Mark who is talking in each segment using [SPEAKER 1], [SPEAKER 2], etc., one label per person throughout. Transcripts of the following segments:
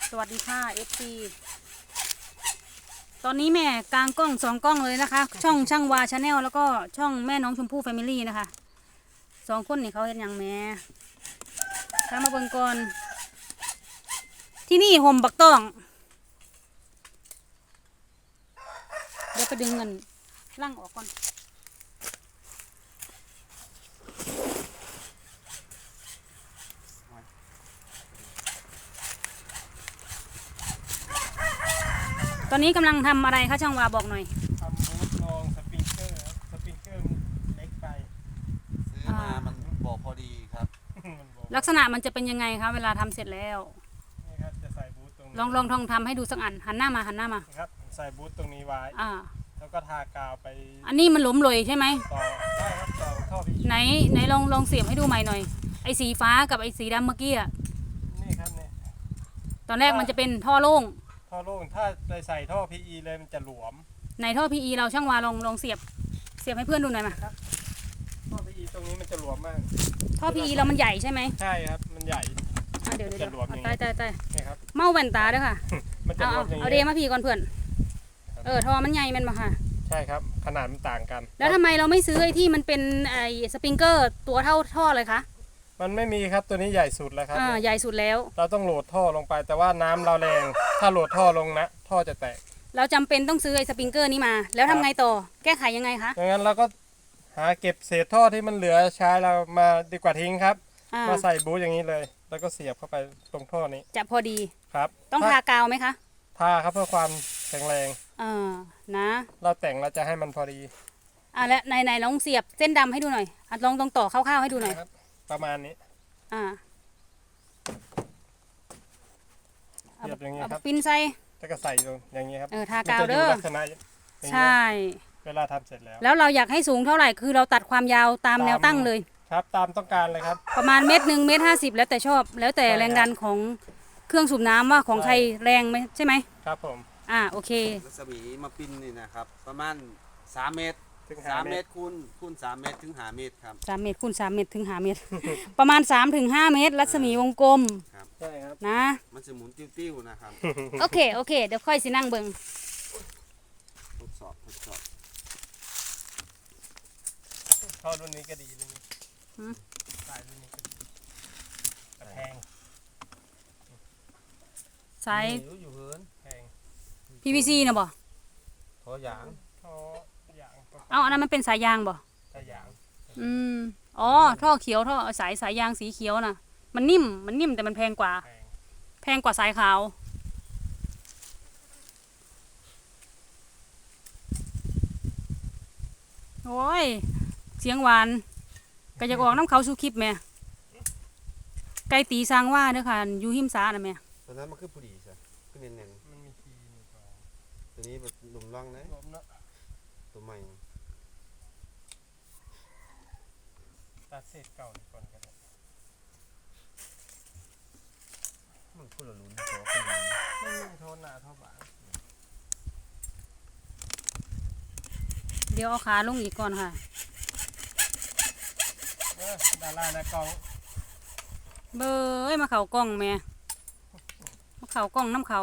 [SPEAKER 1] สวัสดีค่ะFC ตอนนี้แม่กลางกล้อง2 กล้องเลยนะคะ ช่องช่างวาชาแนลแล้วก็ช่องแม่น้องชมพู่แฟมิลี่นะคะ2 คนนี่เขาเห็นอย่างแม่ถ้ามาเบิ่งก่อนที่นี่ห่มบักต้องเดี๋ยวไปดึงเงินล่างออกก่อนตอนนี้กำลังทำอะไรคะช่างวาบอกหน่อย
[SPEAKER 2] ทำบูทลองสปริงเกอร์ครับสปริงเกอร์เล็กไป
[SPEAKER 3] ซื้อมามันบอกพอดีครับ
[SPEAKER 1] ลักษณะมันจะเป็นยังไงคะเวลาทำเสร็จแล้ว
[SPEAKER 2] นี่ครับจะใส่บูทตรงนี้
[SPEAKER 1] ลองทำให้ดูสักอันหันหน้ามา
[SPEAKER 2] ครับใส่บูทตรงนี้ไว้แล้วก็ทากาวไป
[SPEAKER 1] อันนี้มันหลวมเลยใช่ไหม
[SPEAKER 2] ต่อได้ครับต่อท่อพี
[SPEAKER 1] ไหนลองเสียบให้ดูใหม่หน่อยไอ้สีฟ้ากับไอ้สีดำเมื่อกี้อ่ะ
[SPEAKER 2] นี่ครับนี่
[SPEAKER 1] ตอนแรกมันจะเป็นท่อโล่ง
[SPEAKER 2] ถ้าไปใส่ท่อ PE เลยมันจะหลวม
[SPEAKER 1] ในท่อ PE เราช่างวาลองเสียบให้เพื่อนดูหน่อยมา
[SPEAKER 2] ท่อ PE ตรงนี้มันจะหลวมมาก
[SPEAKER 1] ท่อ PE เรามันใหญ่ใช่ไหม
[SPEAKER 2] ใช่ครับมันใหญ่
[SPEAKER 1] เดี๋ยวตาย
[SPEAKER 2] นี่ครับ
[SPEAKER 1] เมาแว่นตาด้วยค่ะเอาเดมาพี่ก่อนเพื่อนท่อมันใหญ่มันมาค่ะ
[SPEAKER 2] ใช่ครับขนาดมันต่างกัน
[SPEAKER 1] แล้วทำไมเราไม่ซื้อไอ้ที่มันเป็นไอ้สปริงเกอร์ตัวเท่าท่อเลยคะ
[SPEAKER 2] มันไม่มีครับตัวนี้ใหญ่สุดแล้วครับ
[SPEAKER 1] ใหญ่สุดแล้ว
[SPEAKER 2] เราต้องโหลดท่อลงไปแต่ว่าน้ำเราแรงถ้าโหลดท่อลงนะท่อจะแตก
[SPEAKER 1] เราจำเป็นต้องซื้อไอ้สปริงเกอร์นี้มาแล้วทำไงต่อแก้ไขยังไงคะ
[SPEAKER 2] งั้นเราก็หาเก็บเศษท่อที่มันเหลือใช้เรามาดีกว่าทิ้งครับมาใส่บูทอย่างนี้เลยแล้วก็เสียบเข้าไปตรงท่อนี้
[SPEAKER 1] จะพอดี
[SPEAKER 2] ครับ
[SPEAKER 1] ต้องทากาวไหมคะ
[SPEAKER 2] ทาครับเพื่อความแข็งแรง
[SPEAKER 1] นะ
[SPEAKER 2] เราแต่งเราจะให้มันพอดี
[SPEAKER 1] และไหนลองเสียบเส้นดำให้ดูหน่อยลองตรงต่อคร่าวๆให้ดูหน่อย
[SPEAKER 2] ประมาณนี้เสียบอย่างนี้ครับ
[SPEAKER 1] ปิ้นใส่
[SPEAKER 2] แล้วก็ใส่ลงอย่างนี้ครับ
[SPEAKER 1] ทากาวเด้อใช่
[SPEAKER 2] เวลาทำเสร็จ
[SPEAKER 1] แล้วเราอยากให้สูงเท่าไหร่คือเราตัดความยาวตามแนวตั้งเลย
[SPEAKER 2] ครับตามต้องการเลยครับ
[SPEAKER 1] ประมาณ1 เมตร 50แล้วแต่ชอบแล้วแต่แรงดันของเครื่องสูบน้ำว่าของใครแรงไหมใช่ไหม
[SPEAKER 2] ครับผม
[SPEAKER 1] โอเค
[SPEAKER 3] รัศมีมาปิ้นนี่นะครับประมาณ3 เมตรถึง3 เมตรคูณ3 เมตรถึง5 เมตรครับ
[SPEAKER 1] 3 เมตรคูณ3 เมตรถึง5 เมตรประมาณ3 ถึง 5 เมตรรัศมีวงกลม
[SPEAKER 2] ใช่ครับ
[SPEAKER 1] นะ
[SPEAKER 3] มันจะหมุนติ้วๆนะครับ
[SPEAKER 1] โอเคเดี๋ยวค่อยสินั่งเบิ่ง
[SPEAKER 3] ทดสอบ
[SPEAKER 2] ท่อรุ่นนี้ก็ดีเลยสายรุ่นนี้ก็ดีแต่แพง
[SPEAKER 1] สาย
[SPEAKER 3] อยู่เหิน
[SPEAKER 2] แพง
[SPEAKER 1] PVC นะบ่
[SPEAKER 3] ท่อยาง
[SPEAKER 1] อันนั้นมันเป็นสายยางบ่
[SPEAKER 2] สายยาง
[SPEAKER 1] ท่อเขียวท่อสายยางสีเขียวน่ะมันนิ่มแต่มันแพงกว่าสายขาวโอ้ยเสียงหวานก็อยากออกน้ำเขาสู่คลิปแม่ไก่ตีสร้างว่าเด้อค่ะอยู่หิมสาน่ะแม่
[SPEAKER 3] ตอนนั้นมันคือผู้ดีใช่คือเน้น
[SPEAKER 2] มันมีทีนี่ก่อน
[SPEAKER 3] ตัวนี้แบบหลุมร่องนะตัวใหม่
[SPEAKER 2] ตัดเศษเก่าก่อนกัน
[SPEAKER 3] มันพูดละลุ้น
[SPEAKER 2] ไม่มีโทษหนาเท่าบ้าน
[SPEAKER 1] เดี๋ยวเอาขาลงอีกก่อนค่ะ
[SPEAKER 2] ดารานะกอง
[SPEAKER 1] เบยมาเข่ากล้องแม่มาเข่ากล้องน้ำเขา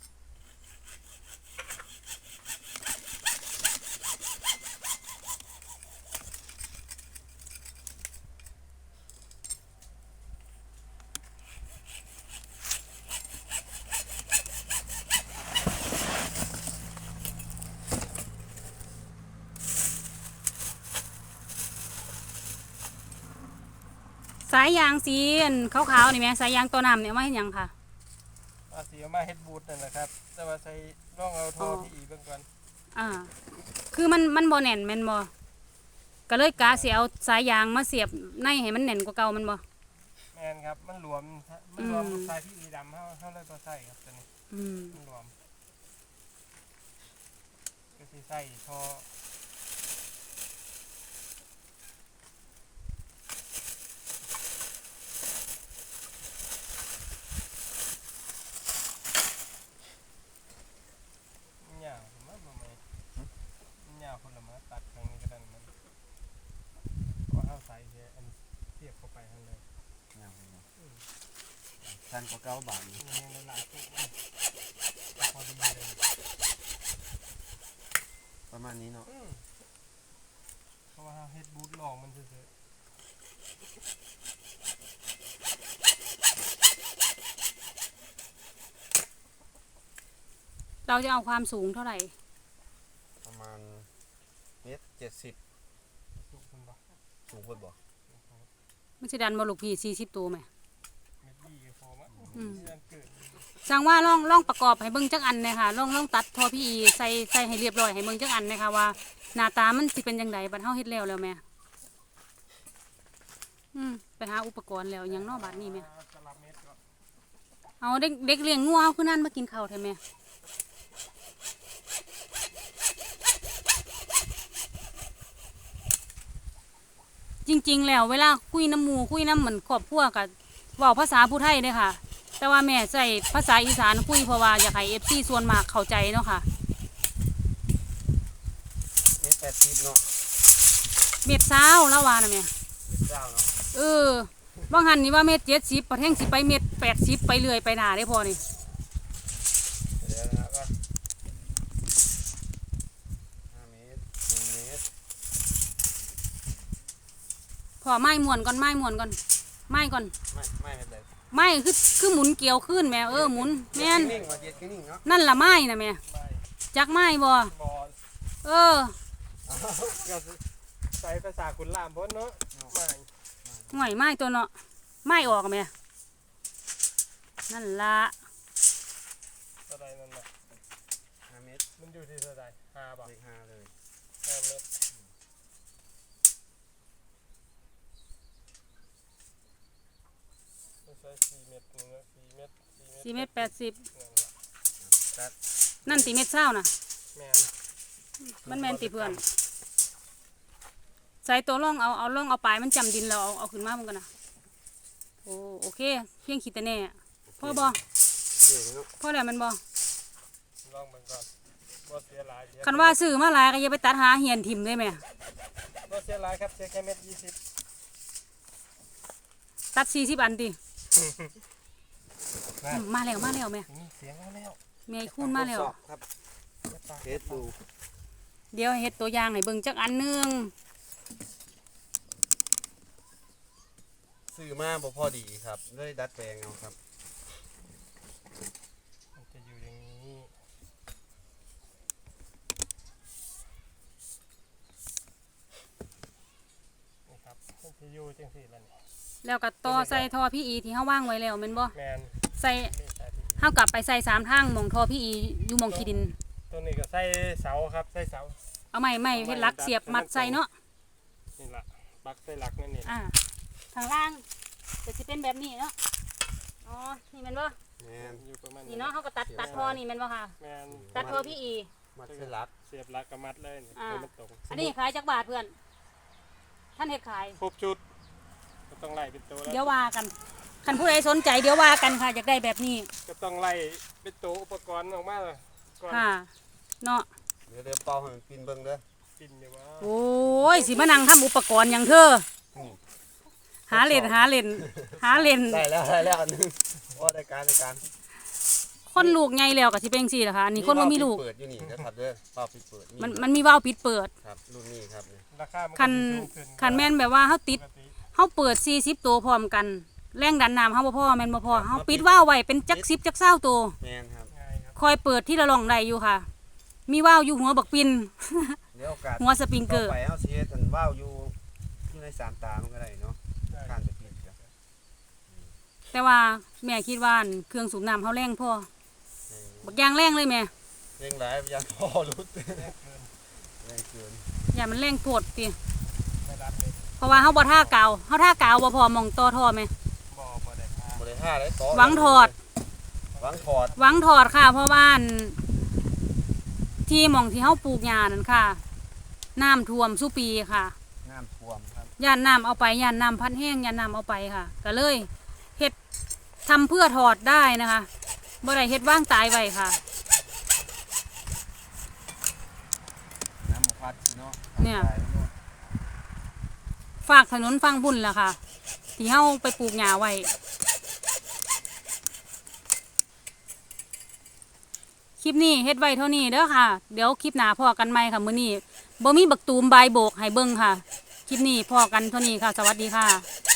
[SPEAKER 1] สายยางสีขาวๆนี่แม่สายยางตัวน้ำเนี่ยมาเห็นยังค่ะ
[SPEAKER 2] สีมาเฮ็ดบูทนั่นแหละครับแต่ว่าใส่ร่องเอาท่อที่อีเบื้องก่อน
[SPEAKER 1] คือมันบ่แน่นแม่นบ่ก็เลยกะสิเอาสายยางมาเสียบในให้มันแน่นกว่าเก่ามันบ่
[SPEAKER 2] แม่นครับมันหลวมสายที่อีดำเข้าเลยตัวใส่ครับตัวนี้มันหลวมก็สิใส่ท่อคนละมาตัดครั้งนี้ก็ได้มันก็เข้าใส่อันเสียบเข้าไปทั้งเลย
[SPEAKER 3] ใส่คันกว่าเก้าบาทนี่
[SPEAKER 2] มีหลายตัวพอดีเลย
[SPEAKER 3] ประมาณนี้เนาะ
[SPEAKER 2] เพราะว่าเฮ็ดบูทลองมันเฉย
[SPEAKER 1] เราจะเอาความสูงเท่าไหร่
[SPEAKER 3] ประมาณ1.70
[SPEAKER 2] ๆสูงคนบ่
[SPEAKER 3] สูงเพิ่นบ่
[SPEAKER 1] มันจะดันบอลูกพี่40ตัวไหม
[SPEAKER 2] เม็ดดีก็พอมั้ง
[SPEAKER 1] อืม
[SPEAKER 2] เดือนเกิด
[SPEAKER 1] สั่งว่าลองประกอบให้เบิ่งจักอันเลยค่ะลองตัดทอพี่ใส่ให้เรียบร้อยให้เบิ่งจักอันเลยค่ะว่าหน้าตามันสิเป็นจังไดบัดเฮาเฮ็ดแล้วแม่ไปหาอุปกรณ์แล้วหยังเนอกบัดนี้แม่
[SPEAKER 2] ตลับเม็ดก็
[SPEAKER 1] เอาเด็กเลี้ยงงัวเอาคือนั่นมากินข้าวแท้แม่จริงๆแล้วเวลาคุยน้ำหมู่คุยน้ำเหมือนครอบครัวกับเว้าภาษาผู้ไทยเด้อค่ะ แต่ว่าแม่ใส่ภาษาอีสานคุยเพราะว่าอยากให้ FC ส่วนมากเข้าใจเนาะค่ะ
[SPEAKER 3] 1.80เนาะ
[SPEAKER 1] เม็ดเช้าแล้วว่านะแม่
[SPEAKER 3] เจ้าเนาะ
[SPEAKER 1] บางหันนี่ว่าเม็ด70ประเทงสิไปเม็ด80ไปเรื่อยไปหน้าได้พอนี่
[SPEAKER 3] เดี๋ยวนะก็5 เมตร1 เมตร
[SPEAKER 1] พอไม้ม่วนก่อนไม้ม่วนก่อนไม้ก่อน
[SPEAKER 3] ไม่เป็นไร
[SPEAKER 1] ไม้คือหมุนเกี่ยวขึ้นแม่หมุนแม่น
[SPEAKER 3] นิ่งๆว่าเย็ดนิ่งๆเนาะ
[SPEAKER 1] นั่นล่ะไม้นะแม่
[SPEAKER 2] ไม่
[SPEAKER 1] จักไม้บ่
[SPEAKER 2] บอล
[SPEAKER 1] เออ
[SPEAKER 2] ก็ใส่ภาษาขุนลามพ้นเนาะไม่
[SPEAKER 1] ห่วยไม้ตัวเนาะไม้ออกแม่นั่นล่ะ
[SPEAKER 2] เท่าใดนั่นน่ะ
[SPEAKER 3] 5 เมตร
[SPEAKER 2] มันอยู่ที่เท่าใด5 บาท
[SPEAKER 3] เลข5เลย
[SPEAKER 2] 5 เม็ดไม่ใช่4 เม็ดนึงนะ4 เม็ด
[SPEAKER 1] 4เม็ด80
[SPEAKER 2] นั่นล่ะ
[SPEAKER 3] ตัด
[SPEAKER 1] นั่นติเม็ดเช้าน่ะ
[SPEAKER 2] แม่น
[SPEAKER 1] มันแม่นติเพื่อนใส่ตัวร่องเอาร่องเอาปลายมันจำดินแล้วเอาขึ้นมามันกันนะโอเคเพียงขีดแต่แน่พ่อบ่
[SPEAKER 3] เจ๋งเนาะ
[SPEAKER 1] พ่อแล้วมันบ่
[SPEAKER 2] ลองมันก่อนบ่เสียหลายเสีย
[SPEAKER 1] คันว่าซื้อมาหลายก็อย่าไปตัดหาเหียนถิ่มได้ไหม
[SPEAKER 2] บ่เสียหลายครับเสียแค่เม็ด20
[SPEAKER 1] ตัด40อันติ
[SPEAKER 2] นะ
[SPEAKER 1] มาแล้วแม่
[SPEAKER 2] นี่เสียงแล้ว
[SPEAKER 1] แม่คูณมาแล้ว
[SPEAKER 3] ทดสอบครับเทสดู
[SPEAKER 1] เดี๋ยวเฮ็ดตัวอย่างให้เบิ่งจักอันหนึง
[SPEAKER 3] ซื้อมาบ่พอดีครับเลยดัดแปลงเอาครับ
[SPEAKER 2] มันจะอยู่อย่างนี้นี่ครับมันจะอยู่จังซี่ล่ะนี่
[SPEAKER 1] แล้วก็ต่อใส่ท่อพี่อีที่เฮาว่างไว้แล้วแม่นบ่
[SPEAKER 2] แมน
[SPEAKER 1] ใส่
[SPEAKER 2] นี่ใส่ที่
[SPEAKER 1] เฮากลับไปใส่3ทางหม่องท่อพี่อีอยู่หม่องขี้ดิน
[SPEAKER 2] ตัวนี้ก็ใส่เสาครับใส่เสา
[SPEAKER 1] เอาไม้เฮ็ดหลักเสียบมัดใส่เนาะ
[SPEAKER 2] นี่ล่ะปักใส่หลักนั่นนี่
[SPEAKER 1] ข้างล่างจะสิเป็นแบบนี้เนาะอ๋อนี่แม่นบ่
[SPEAKER 3] แม่น
[SPEAKER 2] อยู่ประมาณ
[SPEAKER 1] นี่เนาะเฮาก็ตัดท่อนี่แม่นบ่ค่ะ
[SPEAKER 2] แมน
[SPEAKER 1] ตัดท่อพี่อี
[SPEAKER 3] มัดเสลัก
[SPEAKER 2] เสียบหลักกับมัดเลยนี่ให้มันตรง
[SPEAKER 1] อันนี้ขายจักบาทเพื่อน ท่านเฮ็ดขาย
[SPEAKER 2] ครบชุดก็ต้องไล่เป็นตัวแล้ว
[SPEAKER 1] เดี๋ยวว่ากันคันผู้ใดสนใจเดี๋ยวว่ากันค่ะอยากได้แบบนี้
[SPEAKER 2] ก็ต้องไล่เป็นตัวอุปกรณ์ออกมาเลยก่อน
[SPEAKER 1] ค่ะเนาะ
[SPEAKER 3] เดี๋ยวเป่าให้มันปินเบิ่งเด้อ
[SPEAKER 2] กินอยู่ว่า
[SPEAKER 1] โอ้ยสิมานั่งทำอุปกรณ์อย่างเธอ หาเล่น
[SPEAKER 3] ได้แล้วอันนึงว่าได้การ
[SPEAKER 1] คนลูกใหญ่แล้วก็สิเป็นจังซี่ล่ะค่ะอันนี้คนบ่มีลูก
[SPEAKER 3] เปิดอยู่นี่นะครับเด้อเป่าปิดเปิด
[SPEAKER 1] มันมีว่าวปิดเปิด
[SPEAKER 3] ครับรุ่นนี้ครับนี่
[SPEAKER 2] ราคามันก็
[SPEAKER 1] คัน
[SPEAKER 2] สิสูงขึ้น
[SPEAKER 1] คันแม่นแบบว่าเฮาติด
[SPEAKER 2] ปกติ
[SPEAKER 1] เฮาเปิด40ตัวพร้อมกัน แรงดันน้ำเฮาบ่พอแม่นบ่พอเฮาปิดว่าวไว้เป็นจัก10จัก20ตัว
[SPEAKER 3] แม่นครับ
[SPEAKER 2] ง่ายครับ
[SPEAKER 1] คอยเปิดที่ละร่องได้อยู่ค่ะ มีว่าวอยู่หัวบักปิน
[SPEAKER 3] เดี๋ยวโอกาส
[SPEAKER 1] หัวสปริงเกอร์
[SPEAKER 3] ต่ไปเฮาสิเฮ็ดอันว่าวอยู่ในสามตามันก็ได้เนาะ
[SPEAKER 2] ได้
[SPEAKER 3] ข้างจะปิดครับ
[SPEAKER 1] แต่ว่าแม่คิดว่าอันเครื่องสูบน้ำเฮาแรงพอบักอย่างแรงเลยแม่
[SPEAKER 3] เร่งหลายยันพอรุดแรงเกิน
[SPEAKER 1] อย่ามันแรงโพดติ
[SPEAKER 2] ไม่รับเลย
[SPEAKER 1] เพราะว่าเฮาบ่ท่ากาวเฮาท่ากาวบ่พอมองต่อท่อแม่
[SPEAKER 2] บ่ได้พา
[SPEAKER 3] บ่ได้ท่าได้ต่อ
[SPEAKER 1] หวังถอด
[SPEAKER 3] หวังถอด
[SPEAKER 1] หวังถอดค่ะ เพราะว่าอันที่หม่องที่เฮาปลูกหญ้านั่นค่ะ น้ำท่วมซุปีค่ะ
[SPEAKER 3] น้ำท่วมครับ
[SPEAKER 1] ย่านน้ำเอาไปย่านน้ำพัดแห้งย่านน้ำเอาไปค่ะ ก็เลยเฮ็ดทำเพื่อถอดได้นะคะบ่ได้เฮ็ดว่างตายไว้ค่ะ
[SPEAKER 3] น้ำพัดเนาะ
[SPEAKER 1] เนี่ย ฝากถนนฟังบุญล่ะค่ะ ที่เฮาไปปลูกหญ้าไว้ลิปนี้เฮ็ดไว้เท่านี้เด้อค่ะเดี๋ยวคลิปหน้าพอกันใหม่ค่ะมื้อนี้บ่มีบักตูมบายโบกให้เบิ่งค่ะคลิปนี้พอกันเท่านี้ค่ะสวัสดีค่ะ